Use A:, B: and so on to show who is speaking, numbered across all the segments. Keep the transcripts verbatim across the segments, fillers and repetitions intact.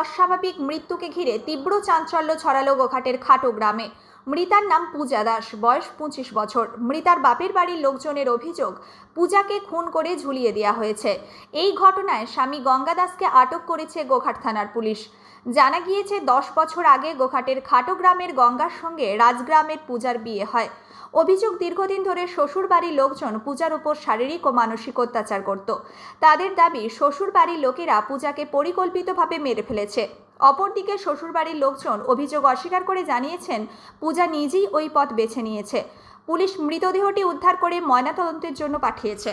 A: অস্বাভাবিক মৃত্যুকে ঘিরে তীব্র চাঞ্চল্য ছড়ালো গোঘাটের খাটো গ্রামে। মৃতার নাম পূজা দাস, বয়স পঁচিশ বছর। মৃতার বাপের বাড়ির লোকজনের অভিযোগ, পূজাকে খুন করে ঝুলিয়ে দেওয়া হয়েছে। এই ঘটনায় স্বামী গঙ্গা দাসকে আটক করেছে গোঘাট থানার পুলিশ। জানা গিয়েছে, দশ বছর আগে গোঘাটের খাটো গ্রামের গঙ্গার সঙ্গে রাজগ্রামের পূজার বিয়ে হয়। অভিযোগ, দীর্ঘদিন ধরে শ্বশুর বাড়ির লোকজন পূজার উপর শারীরিক ও মানসিক অত্যাচার করত। তাদের দাবি, শ্বশুর বাড়ির লোকেরা পূজাকে পরিকল্পিতভাবে মেরে ফেলেছে। অপরদিকে শ্বশুরবাড়ির লোকজন অভিযোগ অস্বীকার করে জানিয়েছেন, পূজা নিজেই ওই পথ বেছে নিয়েছে। পুলিশ মৃতদেহটি উদ্ধার করে ময়নাতদন্তের জন্য পাঠিয়েছে।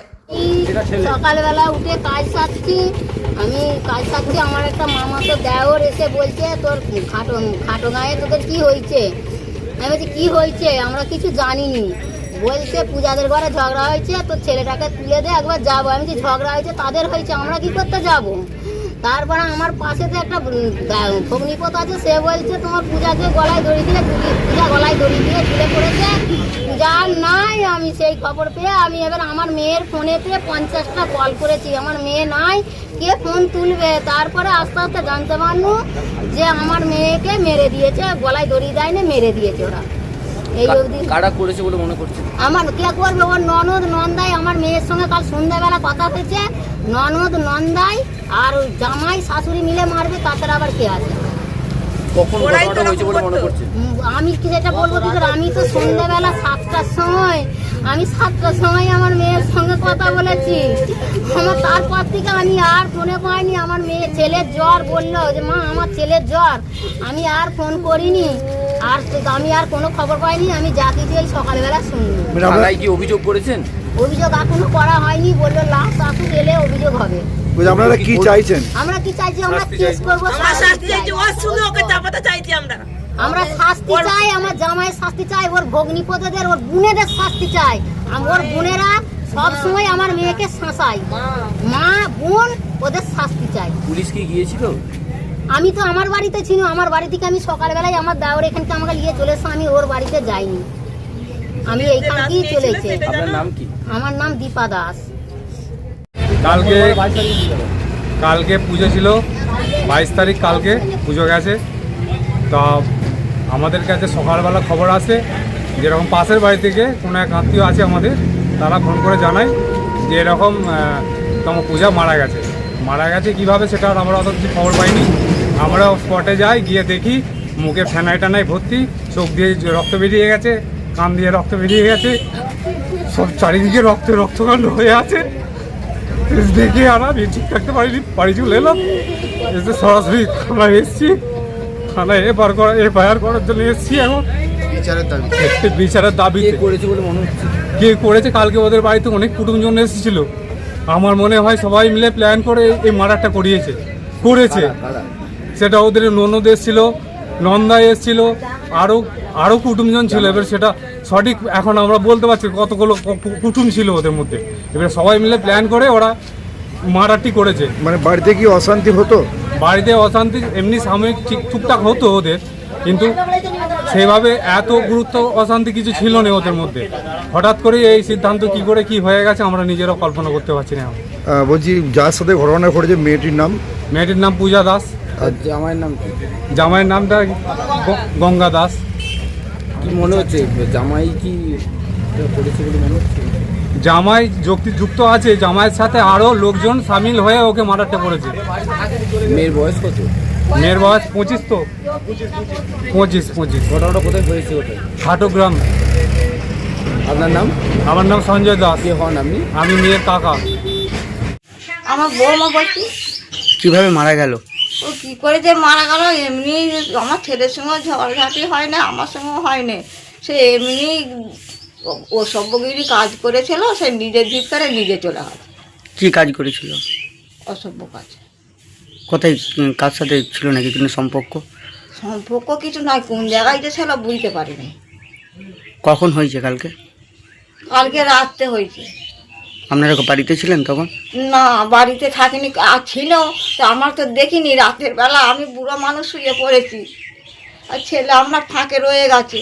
B: সকালবেলা উঠে কাজ সারছি, আমি কাজ সারছি, আমার একটা মামা তো দেওর এসে বলছে, তোর খাটো খাটো গায়ে তোদের কি হয়েছে? আমি বলছি কি হয়েছে, আমরা কিছু জানিনি। বলছে পূজাদের ঘরে ঝগড়া হয়েছে, তোর ছেলেটাকে তুলে দে, একবার যাবো। আমি বলছি ঝগড়া হয়েছে তাদের হয়েছে, আমরা কি করতে যাব? তারপরে আমার পাশে তো একটা ভগ্নিপত আছে, সে বলছে তোমার পূজাকে গলায় দড়ি দিয়ে পূজা গলায় দড়ি দিয়ে ঝুলে পড়েছে, পূজা নাই। আমি সেই খবর পেয়ে আমি এবার আমার মেয়ের ফোনেতে পঞ্চাশটা কল করেছি, আমার মেয়ে নাই, কে ফোন তুলবে? তারপরে আস্তে আস্তে জানতে পারলো যে আমার মেয়েকে মেরে দিয়েছে, গলায় দড়ি দেয়নি, মেরে দিয়েছে ওরা। এই অবধি
C: কারা করেছে বলে মনে করছে?
B: আমার কে করবে? ওর ননদ নন্দাই, আমার মেয়ের সঙ্গে কাল সন্ধ্যাবেলা কথা হয়েছে, ননদ নন্দাই আর জামাই শাশুড়ি মিলে মারবে, তাছাড়া আবার কে আছে?
C: কখন ঘটনাটা হয়েছে বলে মনে করছে?
B: আমি কি সেটা বলবো কি করে? আমি তো সন্ধ্যাবেলা সাতটার সময় আমি সাতটার সময় আমার মেয়ের সঙ্গে কথা বলেছি। আমার তারপর থেকে আমি আর ফোনে পাইনি। আমার মেয়ে ছেলের জ্বর বললো যে মা আমার ছেলের জ্বর, আমি আর ফোন করিনি, আর আমি আর কোনো খবর পাইনি। আমি যা কিছু এই সকালবেলা শুনি।
C: থানায় কি অভিযোগ করেছেন?
B: অভিযোগ এখনো করা হয়নি, বললো লাস্ট আসুক, এলে অভিযোগ হবে।
D: আপনারা কি চাইছেন?
B: আমরা কি চাইছি? আমরা কেস করবো, শাস্তি চাইছি। আমরা শাস্তি চাই, আমার জামাইয়ের শাস্তি চাই, ওর ভগ্নিপতিদের, ওর বোনেদের শাস্তি চাই। ওর বোনেরা সব সময় আমার মেয়েকে শাসায়, মা বোন ওদের শাস্তি চাই।
C: পুলিশ কি গিয়েছিল?
B: আমি তো আমার বাড়িতে ছিল, আমার বাড়ি থেকে আমি সকালবেলায় আমার দেওর এখানকে আমাকে নিয়ে চলে এসে, আমি ওর বাড়িতে যাইনি, আমি এইখানকেই চলেছি।
C: আপনার নাম কি?
B: আমার নাম দীপা দাস।
E: কালকে কালকে পুজো ছিল, বাইশ তারিখ কালকে পুজো গেছে। তা আমাদের কাছে সকালবেলা খবর আসে, যেরকম পাশের বাড়ি থেকে কোনো এক আত্মীয় আছে আমাদের, তারা ফোন করে জানায় যে এরকম তোমার পূজা মারা গেছে। মারা গেছে কীভাবে সেটা আমরা অত কিছু খবর পাইনি। আমরা স্পটে যাই, গিয়ে দেখি মুখে ফেনাই টানাই ভর্তি, চোখ দিয়ে রক্ত বেরিয়ে গেছে, কান দিয়ে রক্ত বেরিয়ে গেছে, সব চারিদিকে রক্ত রক্তকাণ্ড হয়ে আছে। দেখে আর আমি ঠিক থাকতে পারিনি, বাড়ি চলে এলাম। এসে সরাসরি থানায় এসেছি, থানায় এফআইআর করা এফআইআর করার জন্য এসেছি। এখন বিচারের দাবি বিচারের দাবি
C: করেছে বলে মনে হচ্ছে।
E: কে করেছে? কালকে ওদের বাড়িতে অনেক কুটুমজন এসেছিল, আমার মনে হয় সবাই মিলে প্ল্যান করে এই মার্ডারটা করিয়েছে করেছে সেটা ওদের ননদ এসেছিল, নন্দাই এসেছিল, আরও আরও কুটুমজন ছিল। এবার সেটা সঠিক এখন আমরা বলতে পারছি কতগুলো কুটুম ছিল ওদের মধ্যে। এবার সবাই মিলে প্ল্যান করে ওরা মারাটি করেছে।
D: মানে বাড়িতে কি অশান্তি হতো?
E: বাড়িতে অশান্তি এমনি সাময়িক ঠিক টুকটাক হতো ওদের, কিন্তু সেভাবে এত গুরুত্ব অশান্তি কিছু ছিল না ওদের মধ্যে। হঠাৎ করে এই সিদ্ধান্ত কি করে কি হয়ে গেছে আমরা নিজেরাও কল্পনা করতে পারছি না।
D: বলছি যার সাথে ঘটনা ঘটেছে মেয়েটির নাম?
E: মেয়েটির নাম পূজা দাস।
C: আর জামাইয়ের নাম কি?
E: জামাইয়ের নামটা গঙ্গা দাস।
C: কি মনে হচ্ছে জামাই কি করেছে বলে মনে হচ্ছে?
E: জামাই যুক্ত আছে, জামাইয়ের সাথে আরও লোকজন সামিল হয়ে ওকে মারাতে করেছে।
C: মেয়ের বয়স কত?
E: মেয়ের বয়স পঁচিশ তো পঁচিশ পঁচিশ
C: ঘটনাটা কোথায় হয়েছে? ওটা
E: খাটো গ্রাম।
C: আপনার নাম?
E: আমার নাম সঞ্জয় দাস।
C: কে হন আপনি?
E: আমি মেয়ের কাকা।
F: আমার বৌমা বলছি।
C: কিভাবে মারা গেল?
F: ও কী করে যে মারা গেল, এমনি আমার ছেলের সঙ্গে ঝগড়াঝাটি হয় না, আমার সঙ্গেও হয় না, সে এমনি ও সভ্যগিরি কাজ করেছিল, সে নিজের জিদ করে নিজে চলে গেল।
C: কি কাজ করেছিল?
F: অসভ্য কাজ।
C: কোথায় কার সাথে ছিল নাকি কোনো সম্পর্ক?
F: সম্পর্ক কিছু নয়, কোন জায়গায় যে ছিল বুঝতে পারিনি।
C: কখন হয়েছে? কালকে
F: কালকে রাত্রে হয়েছে।
C: আপনারা বাড়িতে ছিলেন তখন?
F: না, বাড়িতে থাকিনি, আর ছিল তো আমার তো দেখিনি। রাতের বেলা আমি বুড়ো মানুষ শুয়ে পড়েছি, আর ছেলে আমার ফাঁকে রয়ে গেছে,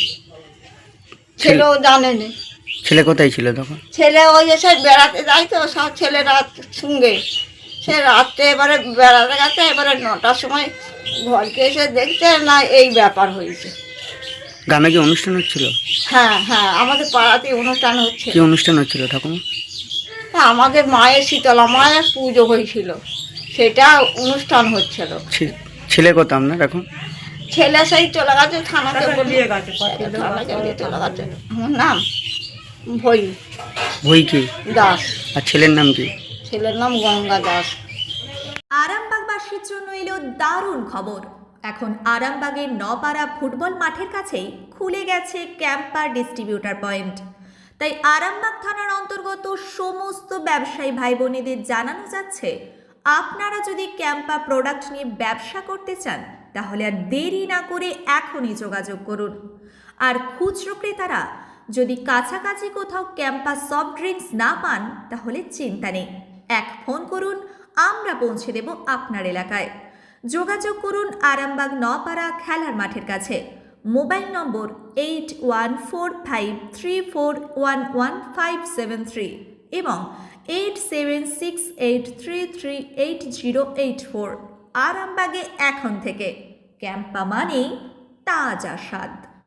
F: ছেলেও জানেনি।
C: ছেলে কোথায় ছিল তখন?
F: ছেলে ওই এসে বেড়াতে যায় তো সব ছেলেরা সঙ্গে, সে রাত্রে এবারে বেড়াতে গেছে, এবারে নটার সময় ঘরকে এসে দেখছে না এই ব্যাপার হয়েছে।
G: গ্রামে কি অনুষ্ঠান হচ্ছিল?
F: হ্যাঁ হ্যাঁ আমাদের পাড়াতে অনুষ্ঠান হচ্ছে।
G: কি অনুষ্ঠান হচ্ছিল ঠাকুমা?
F: হ্যাঁ, আমাদের মায়ের শীতলা মায়ের পুজো হয়েছিল, সেটা অনুষ্ঠান হচ্ছিল।
G: ছে- ছেলে কত আপনার এখন?
F: ছেলে সেই চলে গেছে থানাতে বলিয়ে গেছে, থানাতে নিয়ে চলে গেছে। আমার নাম ভই
G: ভই কি?
F: দাস,
G: আর ছেলের নাম কি?
F: ছেলের নাম গঙ্গা দাস।
A: আরামবাগবাসীর জন্য এলো দারুণ খবর। এখন আরামবাগের নপাড়া ফুটবল মাঠের কাছেই খুলে গেছে ক্যাম্পার ডিস্ট্রিবিউটার পয়েন্ট। তাই আরামবাগ থানার অন্তর্গত সমস্ত ব্যবসায়ী ভাই বোনেদের জানানো যাচ্ছে, আপনারা যদি ক্যাম্পা প্রোডাক্ট নিয়ে ব্যবসা করতে চান তাহলে আর দেরি না করে এখনই যোগাযোগ করুন। আর খুচরো ক্রেতারা যদি কাছাকাছি কোথাও ক্যাম্পা সফট ড্রিঙ্কস না পান তাহলে চিন্তা নেই, এক ফোন করুন, আমরা পৌঁছে দেব আপনার এলাকায়। যোগাযোগ করুন আরামবাগ নপাড়া খেলার মাঠের কাছে। Mobile number eight one four five three four one one five seven three এবং eight seven six eight three three eight zero eight four. আরামবাগে এখন থেকে ক্যাম্পা মানেই তাজা স্বাদ।